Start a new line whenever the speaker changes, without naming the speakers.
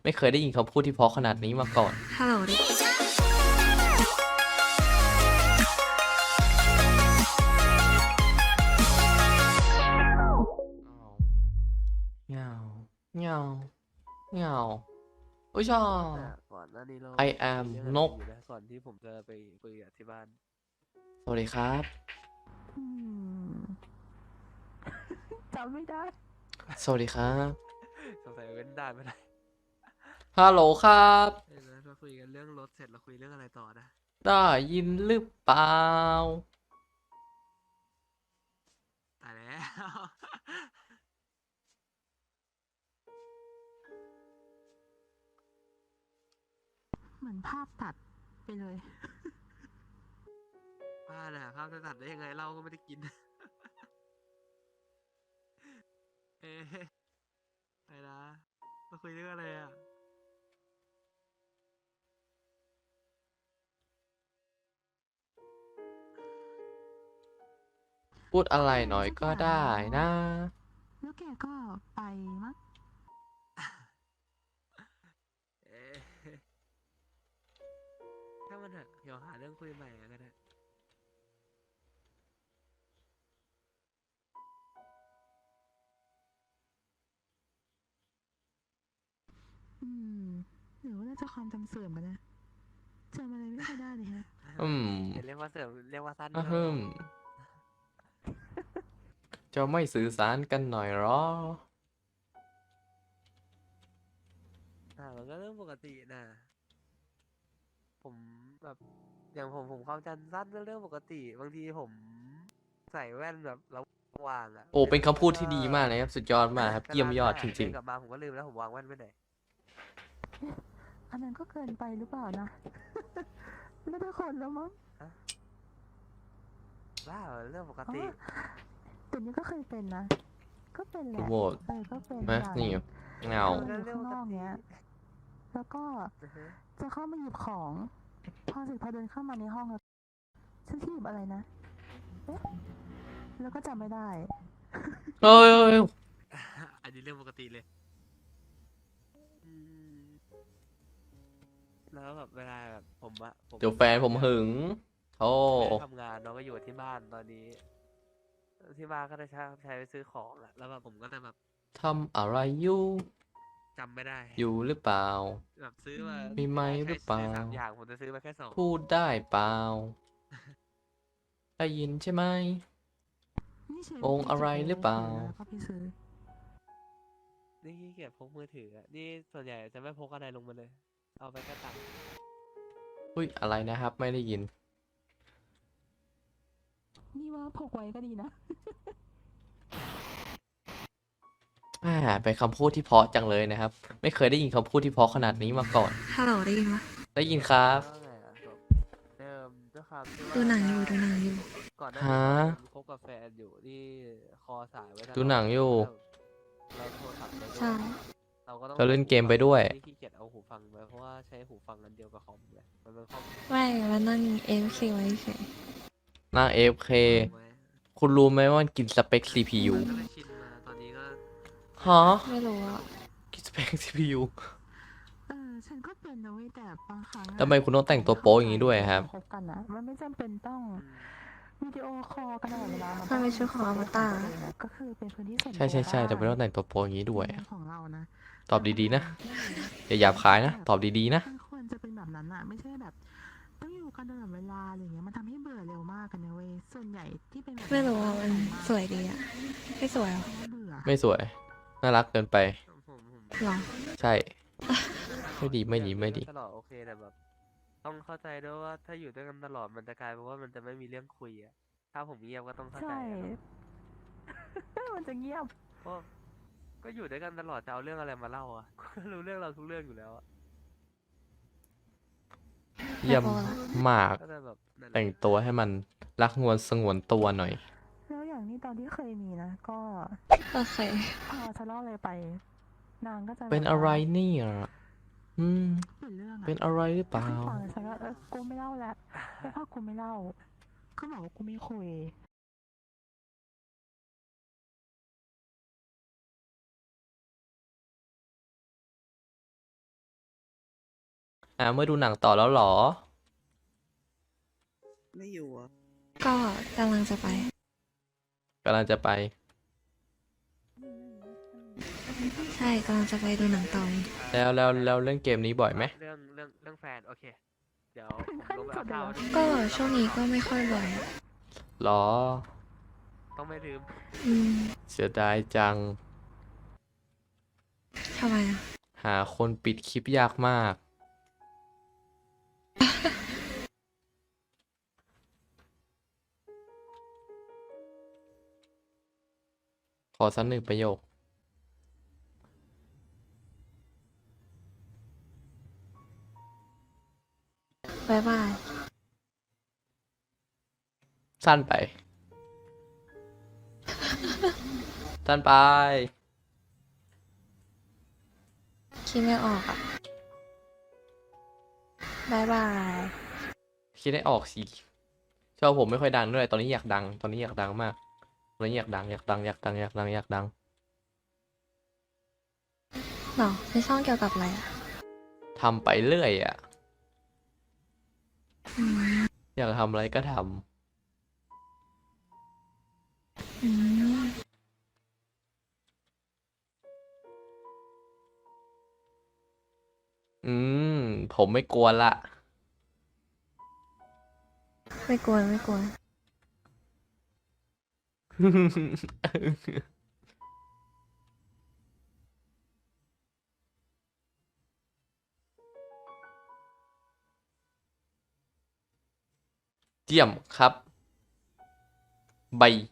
ไม่เคยได้ยินคำพูดที่เพราะขนาดนี้มาก่อน
ฮัลโหลดิ
เงาเงาเงาโอ้ยชอ
แต่ก่อนหน้านี้เรา
I am
คุยเรื่องอะไร
นก
อยู่นะก่อนที่ผมจะไปคุยกับที่บ้าน
สวัสดีครับ
อืม จำไม่ได้
สวัสดีครับ
สงสัยเว้นได้ไม่ได้
ฮัลโหลครับ
เออเราคุยกันเรื่องรถเสร็จเราคุยเรื่องอะไรต่อนะ
ได้ยินหรือเปล่า
ตายแล้ว
เหมือนภาพตัดไปเลย
บ้าน่ะภาพจะตัดได้ยังไงเราก็ไม่ได้กิน เอ๊ะไปนะเราคุยเรื่องอะไรอ่ะ
พูดอะไรหน่อยก็ได้นะ
แล้วแกก็ไปมั้ง
เอ๊ะถ้ามันเถอะเดี๋ยวหาเรื่องคุยใหม่ก็ได้
อืมหรือว่าน่าจะความจำเสื่อมกันนะจำอะไรไม่ค่อยได้เลยฮะ
อืม
เรียกว่าเสริมเรียกว่าสั้น
อะ
ก็
ฮึมจะไม่สื่อสารกันหน่อยหรอ
มันก็เรื่องปกตินะผมแบบอย่างผมความจำสั้นก็เรื่องปกติบางทีผมใส่แว่นแบบระหว่างอ่ะ
โอ้ เป็นคำพูดที่ดีมากเลยครับ สุดยอดมากครับ เยี่ยมยอดจริง
เดินกลับมาผมก็ลืมแล้วผมวางแว่นไว้ไหน
อันนั้นก็เกินไปหรือเปล่านะ ไม่ได้คนแล้วมั้ง
ว้าวเรื่องปก
อ๋อ
ติ
แต่นี้ก็เคยเป็นนะ ก็เป็นแห
ๆ
ละ
โหวต
ก็เป็น
นะ
อย่าง
นี่เงา
อยู่ข้างนอกเนี้ย แล้วก็
อือฮึ
จะเข้ามาหยิบของ พอเดินเข้ามาในห้องแล้วฉันที่หยิบอะไรนะ เอ๊ะ แล้วก็จำไม่ได้
เอ้ย
อันนี้เรื่องปกติเลยอืมแล้วแบบเวลาแบบผมอะผม
เดี๋ยวแฟนผมหึงโอ้
ไม่ได้ทำงานน้องก็อยู่ที่บ้านตอนนี้ ที่บ้านก็จะใช้ไปซื้อของอะแล้วแบบผมก็จะแบบ
ทำอะไรอยู่
จำไม่ได้
อยู่หรือเปล่า
แบบซื้อมา
มีไหมหรือเปล่า
ใช้ซื้อ3 อย่างผมจะซื้อมาแค่2
พูดได้เปล่า ได้ยินใช่ไหม
นี่เชฟ
องค์อะไรหรือเปล่า
แล้วก็ไปซื้อ
นี่ขี้เกียจพกมือถืออะนี่ส่วนใหญ่จะไม่พกอะไรลงมาเลย เอาไปแค่ตังค์
อุ้ย อะไรนะครับ ไม่ได้ยิน
นี่ว่าพกไว้ก็ดีนะ
เป็นคำพูดที่เพราะจังเลยนะครับ ไม่เคยได้ยินคำพูดที่เพราะขนาดนี้มาก่อน
ฮัลโหลได้ยินปะ
ได้ยินครับ
แล้วไงอะแบบเดิมด้วยความที่
ดูหนังอยู่ดูหนังอยู่
ก่อนหน้า
ฮะ
นี้ผมคบกับแฟนอยู่ที่คอสายไว้ตลอ
ดูหนังอยู่
เราโทรศัพท์ไปด้วย
ใช่
เราก็ต้อง
เราเล่นเกมไปด้วย
ที่ขี้เกียจเอาหูฟังไปเพราะว่าใช้หูฟังอันเดียวกับคอมเลยมันเป็นคอม
ไม่มานั่งเอฟซีไว้เฉย
หน้า AFK คุณรู้ไหมว่ามันกินสเปค CPU
ก็เลยชินมาตอนนี้ก็
ฮะ
ไม่รู้อ่ะ
กินสเปค CPU
ฉันก็เป็นนะเว้ยแต่บางครั้งอะ
ทำไมคุณต้องแต่งตัวโป๊อย่างนี้ด้วยครับ
คบกันอะมันไม่จำเป็นต้อง
อืม
วิดีโอคอลกันตลอดเวลา
ถ้าไม่ใช่ของอมตะ
ก็คือเป็นพื้นที่ส่วนตัว
ใช่แต่ไม่ต้อง
ได้
แต่งตัวโป๊อย่างนี้ด้วย
ในมุมของเรานะ
ตอบดีๆนะ อย่าหยาบคายนะ ตอบดีๆนะ
มันควรจะเป็นแบบนั้นอะไม่ใช่แบบ ต้องอยู่กันตลอดเวลาอะไรเงี้ยมันทำให้เบื่อเร็วมากกันนะเว้ยส่วนใหญ่ที่เป็นแบบ
ไม่รู้อ่ะมันสวยดีอ่ะ ไม่สวยเหรอ
เบื่อ
ไม่สวย น่ารักเกินไป
ผม
หรอ
ใช่ ไม่ดีไม่ดีไม่ดี
ตลอดโอเคแต่แบบ ต้องเข้าใจด้วยว่าถ้าอยู่ด้วยกันตลอดมันจะกลายเป็นว่ามันจะไม่มีเรื่องคุยอะถ้าผมเงียบก็ต้องเข้าใจ
ใช่
อะเนาะ
มันจะเงียบ
เพราะก็อยู่ด้วยกันตลอดจะเอาเรื่องอะไรมาเล่าอ่ะ ก็รู้เรื่องเราทุกเรื่องอยู่แล้วอ่ะ
เยี่ยมมาก
ก็จะแบบนั่นแหละ
แต่งตัวให้มันรักงวนสงวนตัวหน่อย
แล้วอย่างนี้ตอนที่เคยมีนะ ก็
โอเค
พอฉันเล่าอะไรไป นางก็จะ
เป็น
แบบ
อะไร
ว่า
เนี่ยอืม
เปลี่ยนเรื่องอะ
เป็นอะไรหรือเปล่า
ไม่ฟังฉันก็กูไม่เล่าแล้วแล้วถ้ากูไม่เล่าก็บอกว่ากูไม่คุย
เมื่อดูหนังต่อแล้วเหรอ
ไม่อยู่อ่ะ
ก็กำลังจะไป
กำลังจะไป
ใช่กำลังจะไปดูหนังต่อเอง
แล้วเล่นเกมนี้บ่อยไหม
เรื่องแฟนโอเค เดี๋ยวผมลงไปเอาข้าวด้วย
ก็ช่วงนี้ก็ไม่ค่อยบ่อยอะ
หรอ
ต้องไม่ลืม
อืม
เสียดายจัง
ทำไมอ่ะ
หาคนปิดคลิปยากมาก ขอสักหนึ่งประโยค
บ๊ายบาย
สั้นไป สั้นไป
คิดไม่ออกอ่ะบ๊ายบาย
คิดให้ออกสิชอบผมไม่ค่อยดังด้วย ตอนนี้อยากดัง ตอนนี้อยากดังมาก ตอนนี้อยากดัง อยากดัง อยากดัง อยากดัง อยากดัง
หรอในช่องเกี่ยวกับอะไรอ่ะ
ทำไปเรื่อยอ่ะ
อืม
อยากทำอะไรก็ท
อืม
ำผมไม่กลัวละ
ไม่กลัวไม่กลัว
เยี่ยมครับ ใบ